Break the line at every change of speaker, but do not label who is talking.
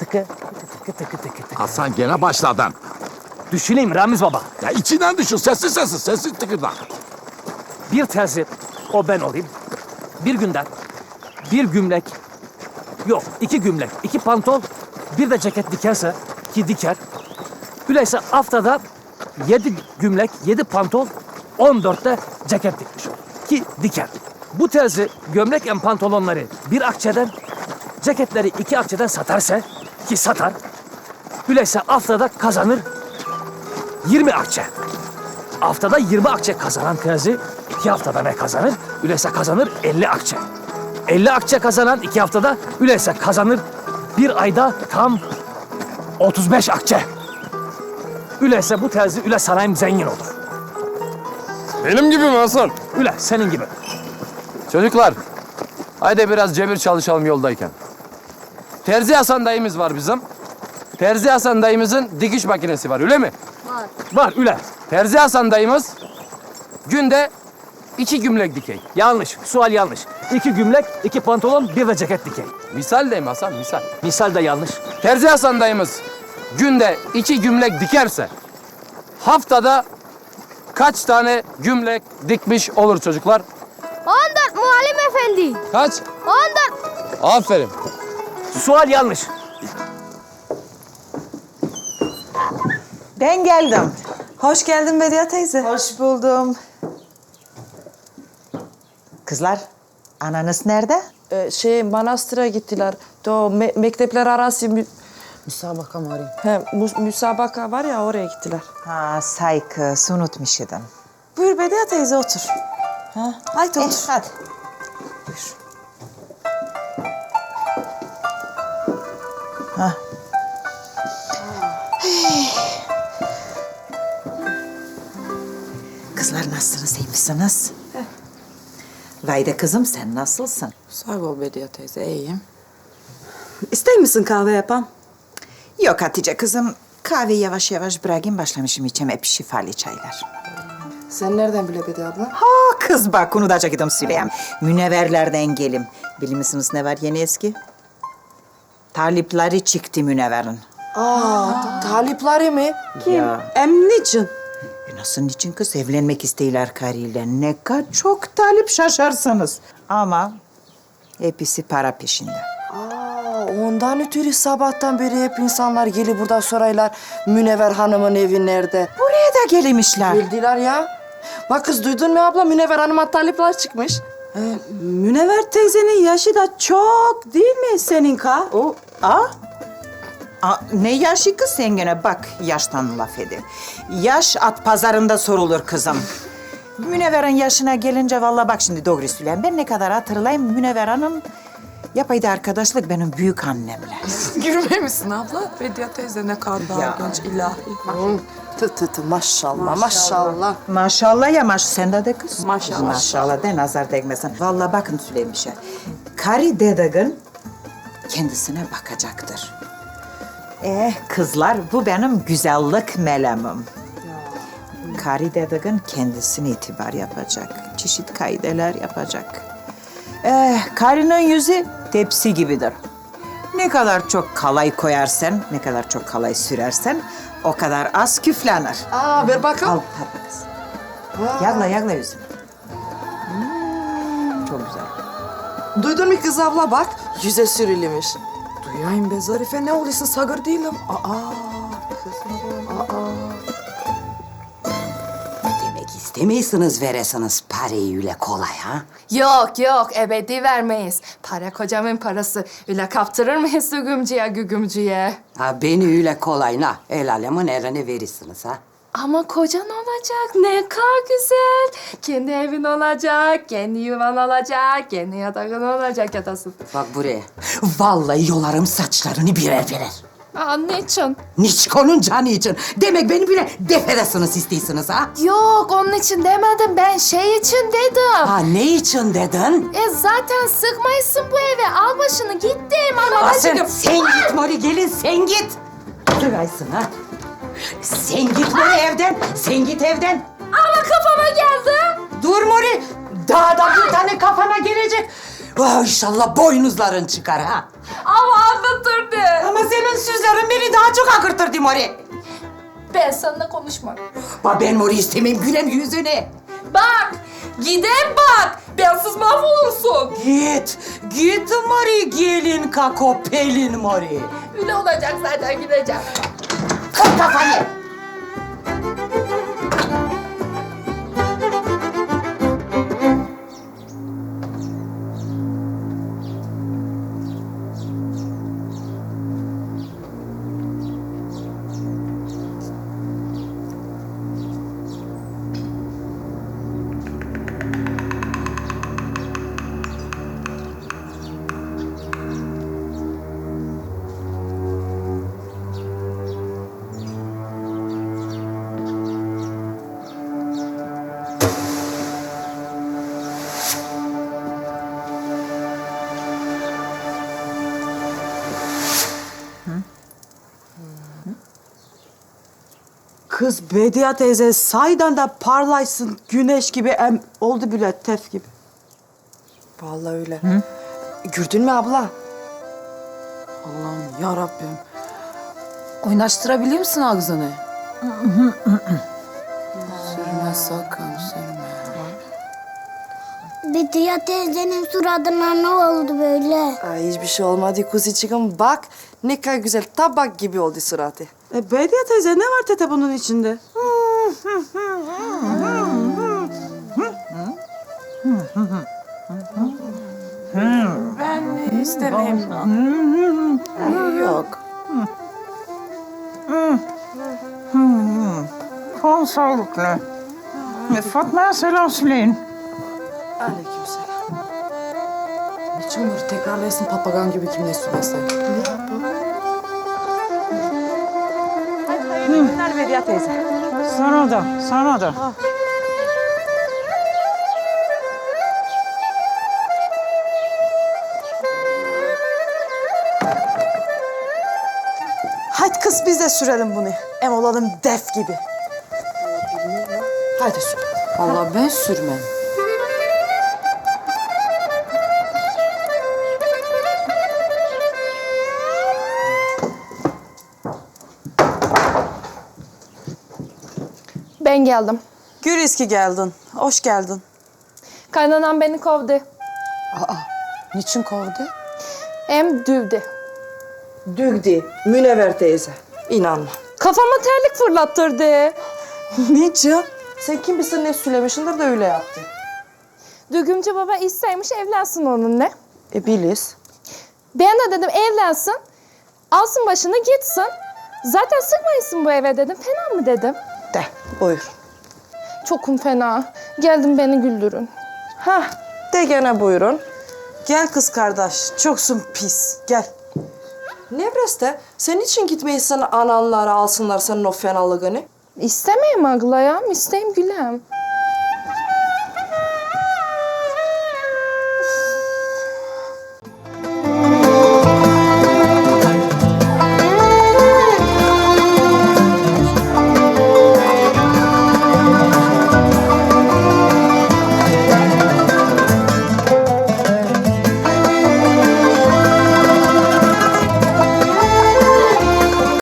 tıkı tıkı tıkı tıkı tıkı.
Hasan gene başladın.
Düşüneyim Ramiz baba.
Ya içinden düşün. Sessiz tıkırda.
Bir terzi, o ben olayım. Bir günden, bir gümlek, yok 2 gümlek, 2 pantol, bir de ceket dikerse, ki diker. Öyleyse haftada 7 gümlek, 7 pantol, 14'te ceket dikmiş olur. Ki diker. Bu terzi gömlek en pantolonları bir akçeden, ceketleri 2 akçeden satarsa, ki satar. Öyleyse haftada kazanır 20 akçe. Haftada 20 akçe kazanan terzi 2 haftada ne kazanır? Öyleyse kazanır 50 akçe. 50 akçe kazanan 2 haftada öyleyse kazanır bir ayda tam 35 akçe. Öyleyse bu terzi öyle sanayim zengin olur.
Benim gibi mi Hasan?
Öyle senin gibi.
Çocuklar, haydi biraz cebir çalışalım yoldayken. Terzi Hasan dayımız var bizim. Terzi Hasan dayımızın dikiş makinesi var, öyle mi?
Var öyle.
Terzi Hasan dayımız günde 2 gümlek dikey.
Yanlış. Sual yanlış. 2 gümlek, 2 pantolon, bir de ceket dikey.
Misal deyim Hasan, misal.
Misal de yanlış.
Terzi Hasan dayımız günde 2 gümlek dikerse haftada kaç tane gümlek dikmiş olur çocuklar?
14 muallim efendi.
Kaç?
14.
Aferin.
Sual yanlış.
Ben geldim.
Hoş geldin Bediye teyze.
Hoş buldum. Kızlar, ananız nerede?
Manastıra gittiler. Mektepler arası
Müsabaka mı arayayım?
müsabaka var ya oraya gittiler.
Ha, saygı, unutmuş idim.
Buyur Bediye teyze otur. Ha, haydi otur.
Hadi.
Buyur.
Ha. Kızlar nasılsınız, iyi misiniz? Vayda kızım, sen nasılsın?
Sağ ol Bediye teyze, iyiyim. İster misin kahve yapam?
Yok Hatice kızım, kahve yavaş yavaş bırakayım, başlamışım içem hep şifalı çaylar.
Sen nereden bile Bediye abla?
Ha kız bak, onu da gidim söyleyeyim. Münevverlerden gelim. Bilir misiniz ne var yeni eski? Talipleri çıktı Münevver'in.
Talipleri mi? Kim?
Ya.
Niçin?
Nasıl niçin kız? Evlenmek istiyorlar karıyla. Ne kadar çok talip şaşarsınız. Ama hepsi para peşinde.
Ondan ötürü sabahtan beri hep insanlar gelip burada soraylar Münevver Hanım'ın evi nerede?
Buraya da gelmişler.
Bildiler ya. Bak kız duydun mu abla? Münevver Hanım'a talipler çıkmış.
Münevver teyzenin yaşı da çok değil mi seninka?
O, ne yaşı kız sen gene? Bak yaştan laf ediyor. Yaş at pazarında sorulur kızım. Münevver'in yaşına gelince vallahi bak şimdi doğru söyleyeyim. Ben ne kadar hatırlayayım Münevver Hanım yapaydı arkadaşlık benim büyük annemle.
Gülmemişsin abla. Bediye teyze ne kadar daha genç ilahi. Maşallah maşallah.
Maşallah ya sen de kız.
Maşallah.
Maşallah de nazar değmesin. Vallahi bakın söyleyeyim bir şey. Karı dedegin kendisine bakacaktır. Kızlar bu benim güzellik melemim. Karı dedegin kendisine itibar yapacak. Çeşit kaideler yapacak. Karının yüzü tepsi gibidir. Ne kadar çok kalay koyarsan, ne kadar çok kalay sürersen o kadar az küflenir.
Ver bakalım.
Al tatlı kız. Yagla yüzünü. Çok güzel.
Duydun mu kız abla bak. Yüze sürülmüş. Duyayım be Zarife ne oluyorsun sagır değilim.
Demek istemiyorsunuz veresiniz parayı öyle kolay ha?
Yok ebedi vermeyiz. Para kocamın parası. Öyle kaptırır mıyız gügümcüye?
Ha beni öyle kolay na el alemin eline verirsiniz ha?
Ama kocan olacak ne kadar güzel. Kendi evin olacak, kendi yuvan olacak, kendi yatağın olacak yatasın.
Bak buraya. Vallahi yolarım saçlarını birer birer.
Niçin?
Niçkonun canı için. Demek beni bile defedesiniz istiyorsunuz ha?
Yok onun için demedim ben şey için dedim.
Ha ne için dedin?
Zaten sıkmayısın bu eve. Al başını gittim
Sen git Mori gelin sen git. Duraysın ha. Sen git Mori evden. Sen git evden.
Ama kafama geldi.
Dur Mori. Daha da bir tane kafana gelecek. Oh, inşallah boynuzların çıkar ha.
Ama anne akıtırdı.
Ama senin sözlerin beni daha çok akırtırdı Mori.
Ben seninle konuşmam.
Ben Mori istemeyim gülem yüzüne.
Bak, gidem bak. Bensiz mahvolursun.
Git Mori, gelin kako pelin Mori.
Öyle olacak zaten gideceğim.
Kır kafanı.
Kız Bediye teyze saydan da parlaysın güneş gibi oldu bile tef gibi.
Vallahi öyle. Gördün mü abla?
Allah'ım ya Rabbim. Oynaştırabiliyor musun ağzını? Sürme sakın sürme.
Bediye teyzenin suratına ne oldu böyle?
Ay hiçbir şey olmadı kuzicik'im. Bak ne kadar güzel tabak gibi oldu suratı.
Bediye teyze ne var tete bunun içinde?
Ben istemeyeyim.
Yok.
Kon sağlıklı. Fatma'ya selam söyleyin.
Aleykümselam.
Niçin bunu tekrarlayasın papagan gibi kimle söylesin?
Günler Bediye teyze.
Sana da, sana da.
Hadi kız biz de sürelim bunu. Em olalım def gibi. Hadi sür.
Vallahi ben sürmem.
Ben geldim.
Güriz ki geldin. Hoş geldin.
Kaynanam beni kovdu.
Niçin kovdu?
Hem dövdü.
Dügdi. Münevver teyze. İnanma.
Kafama terlik fırlattırdı.
Niçin? Sen kim bilsin ne söylemişsindir de öyle yaptı.
Düğümcü baba isteymiş evlensin onunla.
Biliz.
Ben de dedim evlensin. Alsın başını gitsin. Zaten sıkmayısın bu eve dedim. Fena mı dedim.
De buyur.
Çokum fena. Geldim beni güldürün.
Hah de gene buyurun. Gel kız kardeş. Çoksun pis. Gel. Nevreste sen için gitmeysen ananlara alsınlar senin o fenalığını?
İstemeyim ağlayam, isteyim gülem.